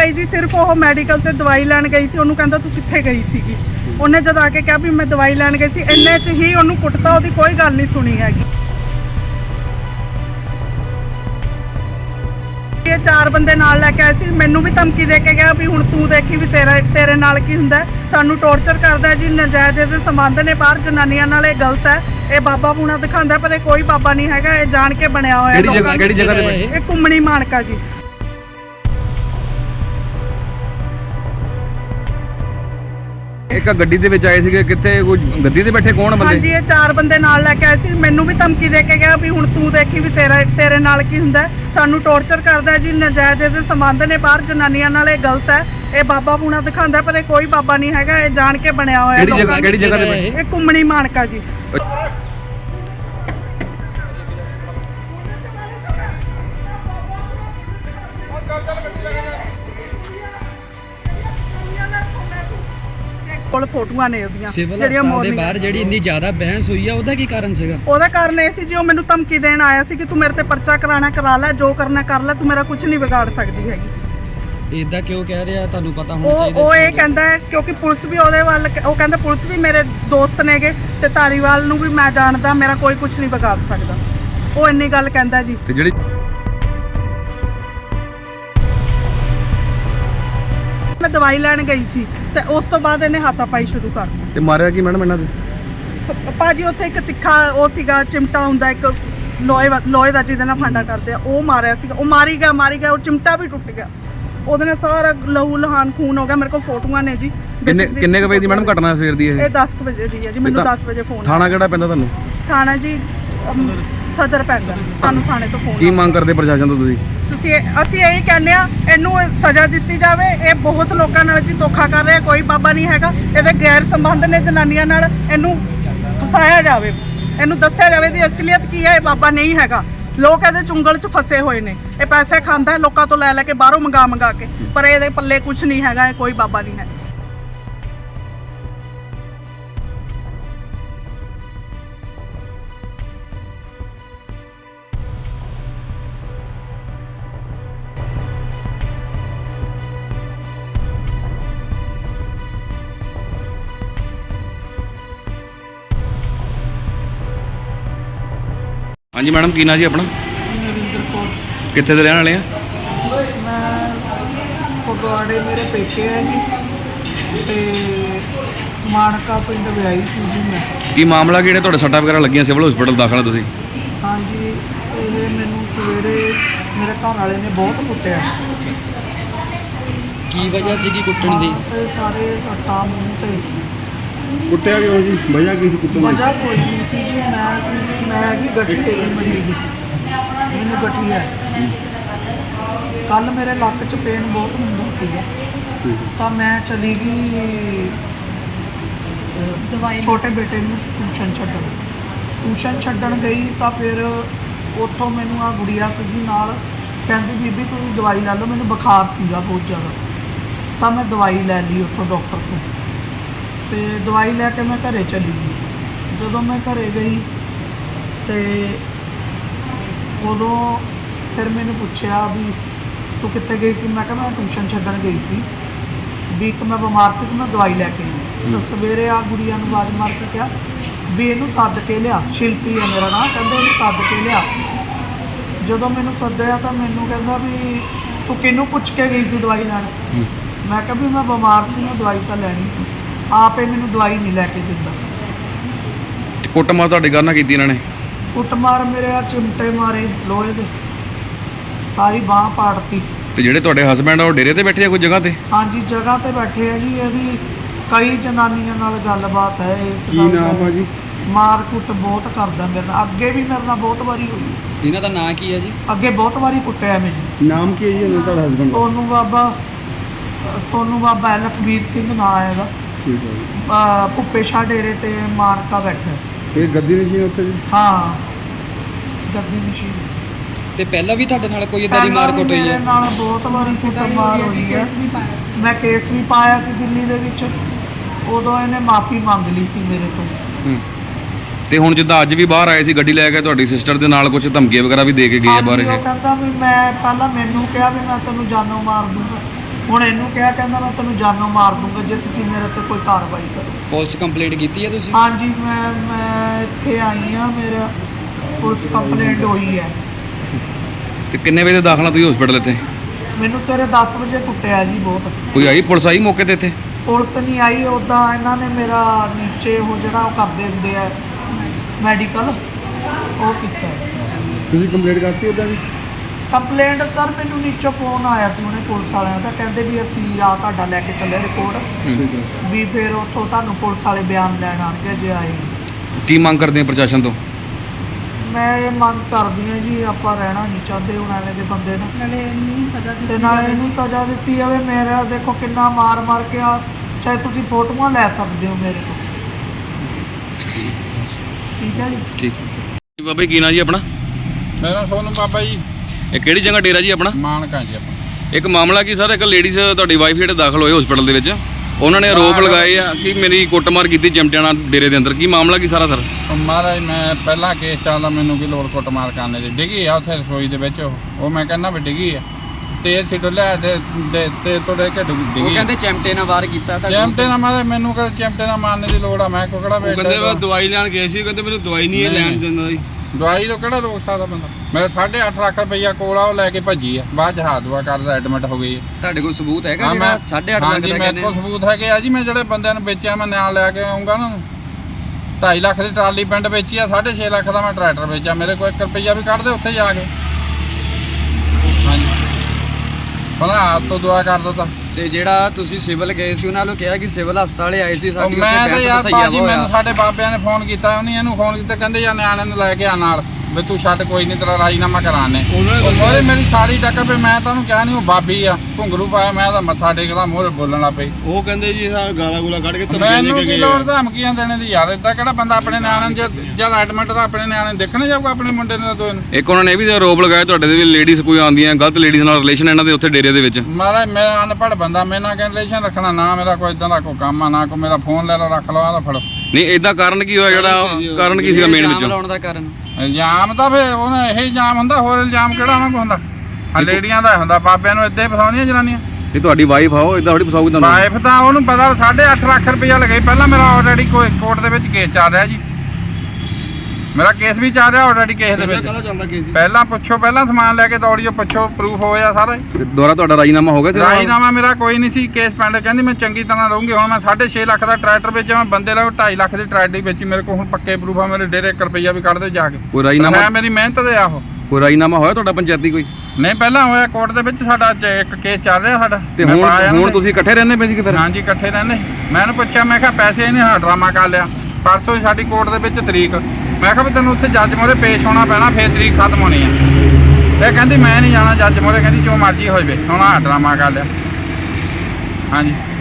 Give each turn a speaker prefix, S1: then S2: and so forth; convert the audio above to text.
S1: ਬਾਈ ਜੀ ਸਿਰਫ ਉਹ ਮੈਡੀਕਲ ਤੇ ਦਵਾਈ ਲੈਣ ਗਈ ਸੀ। ਉਹਨੂੰ ਕਹਿੰਦਾ ਤੂੰ ਕਿੱਥੇ ਗਈ ਸੀਗੀ। ਉਹਨੇ ਜਦ ਆ ਕੇ ਕਿਹਾ ਵੀ ਮੈਂ ਦਵਾਈ ਲੈਣ ਗਈ ਸੀ, ਇੰਨੇ 'ਚ ਹੀ ਉਹਨੂੰ ਕੁੱਟਤਾ। ਉਹਦੀ ਕੋਈ ਗੱਲ ਨਹੀਂ ਸੁਣੀ ਹੈਗੀ। ਇਹ 4 ਬੰਦੇ ਨਾਲ ਲੈ ਕੇ ਆਏ ਸੀ। ਮੈਨੂੰ ਵੀ ਧਮਕੀ ਦੇ ਕੇ ਗਿਆ ਵੀ ਹੁਣ ਤੂੰ ਦੇਖੀ ਵੀ ਤੇਰੇ ਨਾਲ ਕੀ ਹੁੰਦਾ। ਸਾਨੂੰ ਟੌਰਚਰ ਕਰਦਾ ਜੀ। ਨਜਾਇਜ਼ ਦੇ ਸੰਬੰਧ ਨੇ ਬਾਹਰ ਜਨਾਨੀਆਂ ਨਾਲ। ਇਹ ਗਲਤ ਹੈ। ਇਹ ਬਾਬਾ ਪੂਣਾ ਦਿਖਾਉਂਦਾ, ਪਰ ਇਹ ਕੋਈ ਬਾਬਾ ਨਹੀਂ ਹੈਗਾ। ਇਹ ਜਾਣ ਕੇ ਬਣਿਆ ਹੋਇਆ।
S2: ਕਿਹੜੀ ਜਗ੍ਹਾ ਤੇ?
S1: ਇਹ ਘੁੰਮਣੀ ਮਾਨਕਾ ਜੀ।
S2: ਇੱਕ ਗੱਡੀ ਦੇ ਵਿੱਚ ਆਏ ਸੀਗੇ, ਕਿੱਥੇ ਕੋਈ ਗੱਡੀ ਤੇ ਬੈਠੇ ਕੌਣ ਬੰਦੇ?
S1: ਹਾਂਜੀ, ਇਹ 4 ਬੰਦੇ ਨਾਲ ਲੈ ਕੇ ਆਏ ਸੀ। ਮੈਨੂੰ ਵੀ ਧਮਕੀ ਦੇ ਕੇ ਗਿਆ ਵੀ ਹੁਣ ਤੂੰ ਦੇਖੀ ਵੀ ਤੇਰੇ ਨਾਲ ਕੀ ਹੁੰਦਾ। ਸਾਨੂੰ ਟੌਰਚਰ ਕਰਦਾ ਜੀ। ਨਜਾਇਜ਼ ਦੇ ਸੰਬੰਧ ਨੇ ਬਾਹਰ ਜਨਾਨੀਆਂ ਨਾਲ। ਇਹ ਗਲਤ ਹੈ। ਇਹ ਬਾਬਾ ਪੂਣਾ ਦਿਖਾਉਂਦਾ, ਪਰ ਇਹ ਕੋਈ ਬਾਬਾ ਨਹੀਂ ਹੈਗਾ। ਇਹ ਜਾਣ ਕੇ ਬਣਿਆ ਹੋਇਆ।
S2: ਕਿਹੜੀ ਜਗ੍ਹਾ ਤੇ?
S1: ਇਹ ਘੁੰਮਣੀ ਮਾਨਕਾ ਜੀ। ਕੋਲ ਫੋਟੋਆਂ ਨੇ ਉਹਦੀਆਂ
S3: ਜਿਹੜੀਆਂ ਮੋਰਨਿੰਗ ਬਾਹਰ ਜਿਹੜੀ ਇੰਨੀ ਜ਼ਿਆਦਾ ਬਹਿਸ ਹੋਈ ਆ, ਉਹਦਾ ਕੀ ਕਾਰਨ ਸੀਗਾ?
S1: ਉਹਦਾ ਕਾਰਨ ਇਹ ਸੀ ਜੀ, ਉਹ ਮੈਨੂੰ ਧਮਕੀ ਦੇਣ ਆਇਆ ਸੀ ਕਿ ਤੂੰ ਮੇਰੇ ਤੇ ਪਰਚਾ ਕਰਾਣਾ ਕਰਾ ਲੈ, ਜੋ ਕਰਨਾ ਕਰ ਲੈ, ਤੂੰ ਮੇਰਾ ਕੁਝ ਨਹੀਂ ਵਿਗਾੜ ਸਕਦੀ ਹੈਗੀ।
S3: ਇਦਾਂ ਕਿਉਂ ਕਹਿ ਰਿਹਾ? ਤੁਹਾਨੂੰ ਪਤਾ ਹੋਣਾ ਚਾਹੀਦਾ।
S1: ਉਹ ਇਹ ਕਹਿੰਦਾ ਹੈ ਕਿਉਂਕਿ ਪੁਲਿਸ ਵੀ ਉਹਦੇ ਵੱਲ, ਉਹ ਕਹਿੰਦਾ ਪੁਲਿਸ ਵੀ ਮੇਰੇ ਦੋਸਤ ਨੇਗੇ ਤੇ ਧਾਰੀਵਾਲ ਨੂੰ ਵੀ ਮੈਂ ਜਾਣਦਾ, ਮੇਰਾ ਕੋਈ ਕੁਝ ਨਹੀਂ ਵਿਗਾੜ ਸਕਦਾ। ਉਹ ਇੰਨੀ ਗੱਲ ਕਹਿੰਦਾ ਜੀ।
S2: ਤੇ ਜਿਹੜੀ
S1: ਮੈਂ ਦਵਾਈ ਲੈਣ ਗਈ ਸੀ ਤੇ ਉਸ ਤੋਂ ਬਾਅਦ ਇਹਨੇ ਹਾਥਾਪਾਈ ਸ਼ੁਰੂ ਕਰ ਦਿੱਤੀ।
S2: ਤੇ ਮਾਰਿਆ ਕੀ ਮੈਡਮ ਇਹਨਾਂ ਦੇ?
S1: ਭਾਜੀ ਉੱਥੇ ਇੱਕ ਤਿੱਖਾ ਉਹ ਸੀਗਾ, ਚਿਮਟਾ ਹੁੰਦਾ ਇੱਕ ਲੋਹੇ ਦਾ ਜਿਹਦੇ ਨਾਲ ਫਾਂਡਾ ਕਰਦੇ ਆ, ਉਹ ਮਾਰਿਆ ਸੀਗਾ। ਉਹ ਮਾਰੀ ਗਿਆ। ਉਹ ਚਿਮਟਾ ਵੀ ਟੁੱਟ ਗਿਆ। ਉਹਦੇ ਨਾਲ ਸਾਰਾ ਲਹੂ ਲਹਾਨ ਖੂਨ ਹੋ ਗਿਆ। ਮੇਰੇ ਕੋਲ ਫੋਟੋਆਂ ਨੇ ਜੀ।
S2: ਕਿੰਨੇ ਵਜੇ ਦੀ ਮੈਡਮ ਘਟਨਾ ਸਵੇਰ ਦੀ?
S1: ਇਹ 10 ਵਜੇ ਦੀ ਹੈ ਜੀ। ਮੈਨੂੰ 10 ਵਜੇ ਫੋਨ।
S2: ਥਾਣਾ ਕਿਹੜਾ ਪੈਂਦਾ ਤੁਹਾਨੂੰ?
S1: ਥਾਣਾ ਜੀ ਸਦਰ ਪੈਂਦਾ। ਤੁਹਾਨੂੰ ਥਾਣੇ ਤੋਂ ਫੋਨ।
S2: ਕੀ ਮੰਗ ਕਰਦੇ ਪ੍ਰਸ਼ਾਸਨ ਤੋਂ ਤੁਸੀਂ?
S1: ਅਸੀਂ ਇਹੀ ਕਹਿੰਦੇ ਆ, ਇਹਨੂੰ ਸਜ਼ਾ ਦਿੱਤੀ ਜਾਵੇ। ਇਹ ਬਹੁਤ ਲੋਕਾਂ ਨਾਲ ਜੀ ਧੋਖਾ ਕਰ ਰਿਹਾ। ਕੋਈ ਬਾਬਾ ਨਹੀਂ ਹੈਗਾ। ਇਹਦੇ ਗੈਰ ਸੰਬੰਧ ਨੇ ਜਨਾਨੀਆਂ ਨਾਲ। ਇਹਨੂੰ ਫਸਾਇਆ ਜਾਵੇ। ਇਹਨੂੰ ਦੱਸਿਆ ਜਾਵੇ ਦੀ ਅਸਲੀਅਤ ਕੀ ਹੈ। ਇਹ ਬਾਬਾ ਨਹੀਂ ਹੈਗਾ। ਲੋਕ ਇਹਦੇ ਚੁੰਗਲ 'ਚ ਫਸੇ ਹੋਏ ਨੇ। ਇਹ ਪੈਸੇ ਖਾਂਦਾ ਲੋਕਾਂ ਤੋਂ ਲੈ ਕੇ ਬਾਹਰੋਂ ਮੰਗਾ ਕੇ, ਪਰ ਇਹਦੇ ਪੱਲੇ ਕੁਝ ਨਹੀਂ ਹੈਗਾ। ਇਹ ਕੋਈ ਬਾਬਾ ਨਹੀਂ ਹੈ।
S2: ਹਾਂਜੀ ਮੈਡਮ, ਕੀ ਨਾਂ ਜੀ ਆਪਣਾ?
S1: ਨਰਿੰਦਰ ਕੌਰ।
S2: ਕਿੱਥੇ ਦੇ ਰਹਿਣ ਵਾਲੇ ਆ?
S1: ਮੈਂ ਫਗਵਾੜੇ ਮੇਰੇ ਪੇਕੇ ਹੈ ਜੀ ਤੇ ਮਾਨਕਾ ਪਿੰਡ ਵਿਆਹੀ ਸੀ ਜੀ ਮੈਂ।
S2: ਕੀ ਮਾਮਲਾ ਕਿਹੜੇ ਤੁਹਾਡੇ ਸੱਟਾਂ ਵਗੈਰਾ ਲੱਗੀਆਂ, ਸਿਵਲ ਹਸਪੀਟਲ ਦਾਖਲ ਆ ਤੁਸੀਂ?
S1: ਹਾਂਜੀ, ਇਹ ਮੈਨੂੰ ਸਵੇਰੇ ਮੇਰੇ ਘਰ ਵਾਲੇ ਨੇ ਬਹੁਤ ਕੁੱਟਿਆ।
S3: ਕੀ ਵਜ੍ਹਾ ਸੀਗੀ ਕੁੱਟਣ ਦੀ?
S1: ਤੇ ਸਾਰੇ ਸੱਟਾਂ ਮੂੰਹ ਤੇ।
S4: ਕੁੱਟਿਆ ਕਿਉਂ ਜੀ? ਵਜ੍ਹਾ ਕੀ ਸੀ ਕੁੱਟਣ ਦੀ?
S1: ਵਜ੍ਹਾ ਕੋਈ ਨਹੀਂ ਸੀ ਜੀ। ਮੈਂ ਵੀ ਗੱਡੀ ਤੇ ਮਰੀਜ਼, ਮੈਨੂੰ ਗੱਡੀ ਹੈ। ਕੱਲ ਮੇਰੇ ਲੱਕ 'ਚ ਪੇਨ ਬਹੁਤ ਹੁੰਦਾ ਸੀਗਾ ਤਾਂ ਮੈਂ ਚਲੀ ਗਈ ਦਵਾਈ ਛੋਟੇ ਬੇਟੇ ਨੂੰ ਟਿਊਸ਼ਨ ਛੱਡਣ ਗਈ ਤਾਂ ਫਿਰ ਉੱਥੋਂ ਮੈਨੂੰ ਆ ਗੁੜੀਆ ਸੀਗੀ ਨਾਲ, ਕਹਿੰਦੀ ਬੀਬੀ ਤੁਸੀਂ ਦਵਾਈ ਲੈ ਲਓ। ਮੈਨੂੰ ਬੁਖਾਰ ਸੀਗਾ ਬਹੁਤ ਜ਼ਿਆਦਾ ਤਾਂ ਮੈਂ ਦਵਾਈ ਲੈ ਲਈ ਉੱਥੋਂ ਡਾਕਟਰ ਤੋਂ ਤੇ ਦਵਾਈ ਲੈ ਕੇ ਮੈਂ ਘਰੇ ਚਲੀ ਗਈ। ਜਦੋਂ ਮੈਂ ਘਰੇ ਗਈ ਤੇ ਉਦੋਂ ਫਿਰ ਮੈਨੂੰ ਪੁੱਛਿਆ ਵੀ ਤੂੰ ਕਿੱਥੇ ਗਈ ਸੀ? ਮੈਂ ਕਿਹਾ ਮੈਂ ਟਿਊਸ਼ਨ ਛੱਡਣ ਗਈ ਸੀ ਵੀ ਇੱਕ ਮੈਂ ਬਿਮਾਰ ਸੀ ਕਿ ਮੈਂ ਦਵਾਈ ਲੈ ਕੇ ਆਈ। ਤਾਂ ਸਵੇਰੇ ਆ ਗੁੜੀਆ ਨੂੰ ਆਵਾਜ਼ ਮਾਰ ਕੇ ਕਿਹਾ ਵੀ ਇਹਨੂੰ ਸੱਦ ਕੇ ਲਿਆ। ਸ਼ਿਲਪੀ ਹੈ ਮੇਰਾ ਨਾਂ। ਕਹਿੰਦੇ ਇਹਨੂੰ ਸੱਦ ਕੇ ਲਿਆ। ਜਦੋਂ ਮੈਨੂੰ ਸੱਦਿਆ ਤਾਂ ਮੈਨੂੰ ਕਹਿੰਦਾ ਵੀ ਤੂੰ ਕਿਹਨੂੰ ਪੁੱਛ ਕੇ ਗਈ ਸੀ ਦਵਾਈ ਲੈਣ? ਮੈਂ ਕਿਹਾ ਵੀ ਮੈਂ ਬਿਮਾਰ ਸੀ, ਮੈਂ ਦਵਾਈ ਤਾਂ ਲੈਣੀ ਸੀ। ਆਪੇ ਮੈਨੂੰ ਦਵਾਈ ਨਹੀਂ ਲੈ ਕੇ ਦਿੰਦਾ।
S2: ਕੁੱਟਮਾਰ ਤੁਹਾਡੇ ਘਰ ਨਾਲ ਕੀਤੀ ਇਹਨਾਂ ਨੇ?
S1: ਕੁੱਟਮਾਰ ਮੇਰੇ ਆ ਚਿਮਟੇ ਮਾਰੇ ਲੋਹੇ ਦੇ, ਸਾਰੀ ਬਾਂਹ ਪਾੜਤੀ।
S2: ਤੇ ਜਿਹੜੇ ਤੁਹਾਡੇ ਹਸਬੈਂਡ ਆ ਉਹ ਡੇਰੇ ਤੇ ਬੈਠੇ ਆ ਕੋਈ ਜਗ੍ਹਾ ਤੇ?
S1: ਹਾਂਜੀ, ਜਗ੍ਹਾ ਤੇ ਬੈਠੇ ਆ ਜੀ। ਇਹਦੀ ਕਈ ਜਨਾਨੀਆਂ ਨਾਲ ਗੱਲਬਾਤ ਹੈ ਇਸ
S4: ਕੀ
S1: ਗੱਲ ਦਾ।
S4: ਨਾਮ ਆ ਜੀ?
S1: ਮਾਰ ਕੁੱਟ ਬਹੁਤ ਕਰਦਾ ਮੇਰੇ ਨਾਲ। ਅੱਗੇ ਵੀ ਮੇਰੇ ਨਾਲ ਬਹੁਤ ਵਾਰੀ ਹੋਈ।
S3: ਇਹਨਾਂ ਦਾ ਨਾਂ ਕੀ ਹੈ ਜੀ?
S1: ਅੱਗੇ ਬਹੁਤ ਵਾਰੀ ਕੁੱਟਿਆ ਮੈਨੂੰ।
S4: ਨਾਮ ਕੀ ਹੈ ਜੀ ਉਹਨਾਂ ਤੁਹਾਡਾ ਹਸਬੈਂਡ ਦਾ?
S1: ਸੋਨੂ ਬਾਬਾ ਹੈ, ਲਖਬੀਰ ਸਿੰਘ ਨਾਂ ਹੈ ਇਹਦਾ।
S4: ਠੀਕ ਹੈ ਜੀ।
S1: ਭੁੱਪੇ ਸ਼ਾਹ ਡੇਰੇ ਤੇ ਮਾਨਕਾ ਬੈਠਾ।
S4: ਇਹ ਗੱਦੀ ਨਸ਼ੀਨ ਉੱਥੇ ਜੀ?
S1: ਹਾਂ, ਗੱਦੀ ਮਸ਼ੀਨ।
S3: ਤੇ ਪਹਿਲਾਂ ਵੀ ਤੁਹਾਡੇ ਨਾਲ ਕੋਈ ਇਦਾਂ ਦੀ ਮਾਰ ਕੁੱਟ ਹੋਈ
S1: ਮੇਰੇ
S3: ਹੈ?
S1: ਨਾਲ ਬਹੁਤ ਵਾਰੀ ਕੁੱਟਮਾਰ ਹੋਈ ਹੈ। ਮੈਂ ਕੇਸ ਵੀ ਪਾਇਆ ਸੀ ਦਿੱਲੀ ਦੇ ਵਿੱਚ। ਉਦੋਂ ਇਹਨੇ ਮਾਫੀ ਮੰਗ ਲਈ ਸੀ ਮੇਰੇ ਤੋਂ।
S2: ਤੇ ਹੁਣ ਜਿੱਦਾਂ ਅੱਜ ਵੀ ਬਾਹਰ ਆਏ ਸੀ ਗੱਡੀ ਲੈ ਕੇ, ਤੁਹਾਡੀ ਸਿਸਟਰ ਦੇ ਨਾਲ ਕੁਝ ਧਮਕੀਆਂ ਵਗੈਰਾ ਵੀ ਦੇ ਕੇ ਗਏ ਆ ਬਾਹਰ?
S1: ਉਹ ਕਹਿੰਦਾ ਵੀ ਮੈਂ ਪਹਿਲਾਂ ਮੈਨੂੰ ਕਿਹਾ ਵੀ ਮੈਂ ਤੈਨੂੰ ਜਾਨੋਂ ਮਾਰ ਦੂੰਗਾ ਹੁਣ ਇਹਨੂੰ ਕਿਹਾ, ਕਹਿੰਦਾ ਮੈਂ ਤੈਨੂੰ ਜਾਨੋਂ ਮਾਰ ਦੂੰਗਾ ਜੇ ਤੁਸੀਂ ਮੇਰੇ ਤੇ ਕੋਈ ਕਾਰਵਾਈ ਕਰੋ।
S3: ਪੁਲਿਸ ਕੰਪਲੇਂਟ ਕੀਤੀ ਹੈ ਤੁਸੀਂ?
S1: ਹਾਂਜੀ, ਮੈਂ ਇੱਥੇ ਆਈ ਹਾਂ, ਮੇਰਾ ਪੁਲਿਸ ਕੰਪਲੇਂਟ ਹੋਈ ਹੈ।
S2: ਤੇ ਕਿੰਨੇ ਵਜੇ ਦਾਖਲਾ ਤੁਸੀਂ ਹਸਪੀਟਲ ਇੱਥੇ?
S1: ਮੈਨੂੰ ਸਵੇਰੇ 10 ਵਜੇ ਕੁੱਟਿਆ ਜੀ ਬਹੁਤ।
S2: ਕੋਈ ਆਈ ਪੁਲਿਸ ਆਈ ਮੌਕੇ ਤੇ ਇੱਥੇ?
S1: ਪੁਲਿਸ ਨਹੀਂ ਆਈ, ਉੱਦਾਂ ਇਹਨਾਂ ਨੇ ਮੇਰਾ ਨੀਚੇ ਉਹ ਜਿਹੜਾ ਉਹ ਕਰਦੇ ਹੁੰਦੇ ਆ ਮੈਡੀਕਲ, ਉਹ ਕੀਤਾ।
S4: ਤੁਸੀਂ ਕੰਪਲੇਂਟ ਕਰਤੀ ਉਦਾਂ ਜੀ?
S1: ਕੰਪਲੇਂਟ ਸਰ ਮੈਨੂੰ ਨੀਚੋਂ ਫੋਨ ਆਇਆ ਸੀ ਉਹਨੇ ਪੁਲਿਸ ਵਾਲਿਆਂ ਦਾ, ਕਹਿੰਦੇ ਵੀ ਅਸੀਂ ਆ ਤੁਹਾਡਾ ਲੈ ਕੇ ਚੱਲੇ ਰਿਪੋਰਟ,
S4: ਠੀਕ ਹੈ।
S1: ਵੀ ਫਿਰ ਉੱਥੋਂ ਤੁਹਾਨੂੰ ਪੁਲਿਸ ਵਾਲੇ ਬਿਆਨ ਲੈਣ ਆਣਗੇ ਜੇ ਆਏ।
S2: ਕੀ ਮੰਗ ਕਰਦੇ ਆ ਪ੍ਰਸ਼ਾਸਨ ਤੋਂ?
S1: ਮੈਂ ਇਹ ਮੰਗ ਕਰਦੀ ਹਾਂ ਜੀ, ਆਪਾਂ ਰਹਿਣਾ ਨਹੀਂ ਚਾਹੁੰਦੇ ਹੁਣ ਐਵੇਂ ਦੇ ਬੰਦੇ ਨਾਲ, ਨਾਲੇ ਇਹਨੂੰ ਸਜ਼ਾ ਦਿੱਤੀ ਤੇ ਨਾਲੇ ਇਹਨੂੰ ਸਜ਼ਾ ਦਿੱਤੀ ਜਾਵੇ। ਮੇਰਾ ਦੇਖੋ ਕਿੰਨਾ ਮਾਰ ਕੇ ਆ, ਚਾਹੇ ਤੁਸੀਂ ਫੋਟੋਆਂ ਲੈ ਸਕਦੇ ਹੋ ਮੇਰੇ ਤੋਂ। ਠੀਕ ਹੈ ਜੀ।
S2: ਠੀਕ ਬਾਬਾ ਜੀ, ਕੀ ਨਾਂ ਜੀ ਆਪਣਾ?
S5: ਮੇਰਾ ਸੋਨੂੰ ਬਾਬਾ ਜੀ,
S2: ਇਹ ਕਿਹੜੀ ਜਗ੍ਹਾ ਡੇਰਾ ਜੀ ਆਪਣਾ?
S5: ਮਾਨਕਾ ਜੀ ਆਪਾਂ।
S2: ਇੱਕ ਮਾਮਲਾ ਕੀ ਸਰ, ਇੱਕ ਲੇਡੀਜ਼ ਤੁਹਾਡੀ ਵਾਈਫ ਜਿਹੜੇ ਦਾਖਲ ਹੋਏ ਹਸਪੀਟਲ ਦੇ ਵਿੱਚ, ਉਹਨਾਂ ਨੇ ਆਰੋਪ ਲਗਾਏ ਆ ਕਿ ਮੇਰੀ ਕੁੱਟਮਾਰ ਕੀਤੀ ਚਿਮਟਿਆਣਾ ਡੇਰੇ ਦੇ ਅੰਦਰ। ਕੀ ਮਾਮਲਾ ਕੀ ਸਾਰਾ ਸਰ?
S5: ਮਹਾਰਾਜ ਮੈਂ ਪਹਿਲਾਂ ਕੇਸ ਚੱਲਦਾ, ਮੈਨੂੰ ਕੀ ਲੋੜ ਕੁੱਟਮਾਰ ਕਰਨੇ ਦੀ। ਡਿੱਗੀ ਆ ਉੱਥੇ ਰਸੋਈ ਦੇ ਵਿੱਚ, ਉਹ ਮੈਂ ਕਹਿੰਦਾ ਵੀ ਡਿੱਗੀ ਆ, ਤੇਲ ਛਿੱਟ ਲਿਆ ਤੇ ਤੋਂ ਲੈ ਕੇ
S3: ਉਹ
S5: ਡਿੱਗੀ।
S3: ਕਹਿੰਦੇ ਚਿਮਟੇ ਨਾਲ ਵਾਰ ਕੀਤਾ ਤਾਂ
S5: ਚਿਮਟੇ ਨਾਲ ਮਾਰੇ, ਮੈਨੂੰ ਕਦੇ ਚਿਮਟੇ ਨਾਲ ਮਾਰਨੇ ਦੀ ਲੋੜ ਆ? ਮੈਂ ਕੋਕੜਾ ਵੇਚ
S4: ਦਵਾਈ ਲੈਣ ਗਏ ਸੀ, ਕਹਿੰਦੇ ਮੈਨੂੰ ਦਵਾਈ ਨਹੀਂ ਲੈਣ ਦਿੰਦਾ ਜੀ।
S5: ਦਵਾਈ ਤੋਂ ਕਿਹੜਾ ਰੋਕ ਸਕਦਾ ਬੰਦਾ? ਮੈਂ 8.5 ਲੱਖ ਰੁਪਈਆ ਕੋਲ ਆ, ਉਹ ਲੈ ਕੇ ਭੱਜੀ ਆ, ਬਾਅਦ ਜਹਾਜ਼ ਦੁਆ ਕਰਦਾ ਐਡਮਿਟ ਹੋ ਗਈ ਹੈ।
S3: ਤੁਹਾਡੇ ਕੋਲ ਸਬੂਤ ਹੈਗਾ
S5: ਹਾਂ,
S3: ਜਿਹੜਾ
S5: ਮੈਂ
S3: 8.5 ਲੱਖ
S5: ਹਾਂਜੀ
S3: ਦਾ
S5: ਮੇਰੇ
S3: ਕਹਿੰਦੇ?
S5: ਕੋਲ ਸਬੂਤ ਹੈਗੇ ਆ ਜੀ। ਮੈਂ ਜਿਹੜੇ ਬੰਦਿਆਂ ਨੂੰ ਵੇਚਿਆ ਮੈਂ ਨਾਲ ਲੈ ਕੇ ਆਉਂਗਾ ਨਾ। 2.5 ਲੱਖ ਦੀ ਟਰਾਲੀ ਪਿੰਡ ਵੇਚੀ ਆ, 6.5 ਲੱਖ ਦਾ ਮੈਂ ਟਰੈਕਟਰ ਵੇਚਿਆ। ਮੇਰੇ ਕੋਲ 1 ਰੁਪਈਆ ਵੀ ਕੱਢ ਦੇ ਉੱਥੇ ਜਾ ਕੇ। ਹਾਂਜੀ, ਭਲਾ ਆਪ ਤੋਂ ਦੁਆ ਕਰ ਦਿੱਤਾ।
S3: ਤੇ ਜਿਹੜਾ ਤੁਸੀਂ ਸਿਵਲ ਗਏ ਸੀ, ਉਹਨਾਂ ਨੂੰ ਕਿਹਾ ਕਿ ਸਿਵਲ ਹਸਪਤਾਲੇ ਆਏ ਸੀ, ਸਾਡੀ
S5: ਮੈਂ
S3: ਉੱਥੇ
S5: ਤਾਂ ਯਾਰ
S3: ਪੈਸਾ
S5: ਭਾਜੀ,
S3: ਸਹੀਆ
S5: ਮੈਨੂੰ ਸਾਡੇ ਬਾਬਿਆਂ ਨੇ ਫੋਨ ਕੀਤਾ, ਉਹਨੇ ਇਹਨੂੰ ਫੋਨ ਕੀਤਾ, ਕਹਿੰਦੇ ਯਾਰ ਨਿਆਣੇ ਨੂੰ ਲੈ ਕੇ ਆ ਨਾਲ, ਵੀ ਤੂੰ ਛੱਡ, ਕੋਈ ਨਹੀਂ ਤੇਰਾ ਰਾਜੀਨਾਮਾ ਕਰਾਣੇ। ਉਹਨੇ ਮੇਰੀ ਸਾਰੀ ਟੱਕਰ ਵੀ ਮੈਂ ਤੁਹਾਨੂੰ ਕਿਹਾ ਨਹੀਂ, ਉਹ ਬਾਬੀ ਆ, ਘੁੰਗਰੂ ਪਾਇਆ, ਮੈਂ ਤਾਂ ਮੱਥਾ ਟੇਕਦਾ, ਮੂਹਰੇ ਬੋਲਣ ਲੱਗ ਪਈ।
S4: ਉਹ ਕਹਿੰਦੇ ਜੀ ਗਾਲਾਂ ਗੂਲਾ ਕੱਢ ਕੇ
S5: ਮੈਨੂੰ ਕੀ ਲੋੜ ਧਮਕੀਆਂ ਦੇਣੇ ਦੀ ਯਾਰ? ਏਦਾਂ ਕਿਹੜਾ ਬੰਦਾ ਆਪਣੇ ਨਿਆਣੇ ਨੂੰ ਜਦ ਐਡਮਿਟ ਦਾ ਆਪਣੇ ਨਿਆਣੇ ਨੂੰ ਦੇਖਣ ਜਾਊਗਾ, ਆਪਣੇ ਮੁੰਡੇ ਨੂੰ ਦੋਏ ਨੂੰ?
S2: ਇੱਕ ਉਹਨਾਂ ਨੇ ਇਹ ਵੀ ਆਰੋਪ ਲਗਾਇਆ ਤੁਹਾਡੇ ਦੇ ਵੀ ਲੇਡੀਜ਼ ਕੋਈ ਆਉਂਦੀਆਂ ਗਲਤ ਲੇਡੀਜ਼ ਨਾਲ ਰਿਲੇਸ਼ਨ ਇਹਨਾਂ ਦੇ ਉੱਥੇ ਡੇਰੇ ਦੇ ਵਿੱਚ।
S5: ਮਹਾਰਾਜ ਮੈਂ ਅਨਪੜ੍ਹ ਬੰਦਾ, ਮੇਰੇ ਨਾਲ ਰਿਲੇਸ਼ਨ ਰੱਖਣਾ ਨਾ, ਮੇਰਾ ਕੋਈ ਇਦਾਂ ਦਾ ਕੋਈ ਕੰਮ ਆ ਨਾ, ਕੋਈ ਮੇਰਾ ਫੋਨ ਲੈ ਲਓ, ਰੱਖ ਲਓ, ਆਹ ਫੜੋ।
S2: ਨਹੀਂ ਇਦਾਂ ਕਾਰਨ ਕੀ ਹੋਇਆ, ਜਿਹੜਾ ਕਾਰਨ ਕੀ ਸੀਗਾ ਮੇਨ
S3: ਇਲਜ਼ਾਮ
S2: ਵਿੱਚੋਂ?
S3: ਲਾਉਣ ਦਾ ਕਾਰਨ
S5: ਇਲਜ਼ਾਮ ਤਾਂ ਫਿਰ ਉਹਨਾਂ ਇਹ ਇਲਜ਼ਾਮ ਹੁੰਦਾ, ਹੋਰ ਇਲਜ਼ਾਮ ਕਿਹੜਾ ਉਹਨਾਂ ਕੋਲ ਹੁੰਦਾ? ਆ ਲੇਡੀਆਂ ਦਾ ਹੁੰਦਾ, ਬਾਬਿਆਂ ਨੂੰ ਇਦਾਂ ਹੀ ਫਸਾਉਂਦੀਆਂ ਜਨਾਨੀਆਂ।
S2: ਇਹ ਤੁਹਾਡੀ ਵਾਈਫ ਆਓ, ਇਦਾਂ ਥੋੜੀ ਫਸਾਉਗੀ ਤੁਹਾਨੂੰ।
S5: ਵਾਈਫ ਤਾਂ ਉਹਨੂੰ ਪਤਾ 8.5 ਲੱਖ ਰੁਪਈਆ ਲਗਾਈ। ਪਹਿਲਾਂ ਮੇਰਾ ਆਲਰੇਡੀ ਕੋਈ ਕੋਰਟ ਦੇ ਵਿੱਚ ਕੇਸ ਚੱਲ ਰਿਹਾ ਜੀ, ਮੇਰਾ ਕੇਸ ਵੀ ਚੱਲ ਰਿਹਾ ਆਲਰੇਡੀ ਕੇਸ ਦੇ ਵਿੱਚ।
S4: ਚੱਲਦਾ ਕੇਸ?
S5: ਪਹਿਲਾਂ ਪੁੱਛੋ, ਪਹਿਲਾਂ ਸਮਾਨ ਲੈ ਕੇ ਦੌੜੀਓ, ਪੁੱਛੋ, ਪ੍ਰੂਫ ਹੋਇਆ ਸਾਰਾ।
S2: ਦੁਆਰਾ ਤੁਹਾਡਾ ਰਾਜੀਨਾਮਾ ਹੋ ਗਿਆ ਸੀ?
S5: ਰਾਜੀਨਾਮਾ ਮੇਰਾ ਕੋਈ ਨਹੀਂ ਸੀ, ਕੇਸ ਪੈਂਡ। ਕਹਿੰਦੀ ਮੈਂ ਚੰਗੀ ਤਰ੍ਹਾਂ ਰਹੂੰਗੀ। ਹੁਣ ਮੈਂ 6.5 ਲੱਖ ਦਾ ਟਰੈਕਟਰ ਵੇਚਿਆ, ਮੈਂ ਬੰਦੇ ਲਾ 2.5 ਲੱਖ ਦੀ ਟਰੈਕਟਰ ਵੇਚੀ। ਮੇਰੇ ਕੋਲ ਹੁਣ ਪੱਕੇ ਪ੍ਰੂਫ ਆ, ਮੇਰੇ ਡੇਰੇ 1 ਰੁਪਈਆ ਵੀ ਕੱਢ ਦੇ ਜਾ ਕੇ।
S2: ਕੋਈ ਰਾਜੀਨਾਮਾ?
S5: ਮੈਂ ਮੇਰੀ ਮਿਹਨਤ ਦੇ ਆਹੋ।
S2: ਕੋਈ ਰਾਜੀਨਾਮਾ ਹੋਇਆ ਤੁਹਾਡਾ ਪੰਚਾਇਤੀ ਕੋਈ?
S5: ਨਹੀਂ, ਪਹਿਲਾਂ ਹੋਇਆ ਕੋਰਟ ਦੇ ਵਿੱਚ, ਸਾਡਾ ਇੱਕ ਕੇਸ ਚੱਲ ਰਿਹਾ ਸਾਡਾ।
S2: ਤੇ
S5: ਮੈਂ ਪਾਇਆ
S2: ਹੁਣ
S5: ਨਾ।
S2: ਤੁਸੀਂ ਇਕੱਠੇ ਰਹਿੰਦੇ ਪਏ ਸੀ ਕਿ ਫਿਰ?
S5: ਹਾਂਜੀ, ਇਕੱਠੇ ਰਹਿੰਦੇ। ਮੈਂ ਇਹਨੂੰ ਪੁੱਛਿਆ, ਮੈਂ ਕਿਹਾ ਪੈਸੇ ਇਹਨੇ ਹਾਂ ਡਰਾਮਾ ਕਰ ਲਿਆ। ਪਰਸੋਂ ਸਾਡੀ ਕੋਰਟ ਦੇ ਵਿੱਚ ਤਰੀਕ, ਮੈਂ ਕਿਹਾ ਵੀ ਤੈਨੂੰ ਉੱਥੇ ਜੱਜ ਮੋਹਰੇ ਪੇਸ਼ ਹੋਣਾ ਪੈਣਾ, ਫੇਰ ਤਰੀਕ ਖਤਮ ਹੋਣੀ ਆ। ਇਹ ਕਹਿੰਦੀ ਮੈਂ ਨਹੀਂ ਜਾਣਾ ਜੱਜ ਮੋਹਰੇ, ਕਹਿੰਦੀ ਜੋ ਮਰਜ਼ੀ ਹੋ ਜਾਵੇ। ਹੁਣ ਆਹ ਡਰਾਮਾ ਕਰ ਲਿਆ। ਹਾਂਜੀ।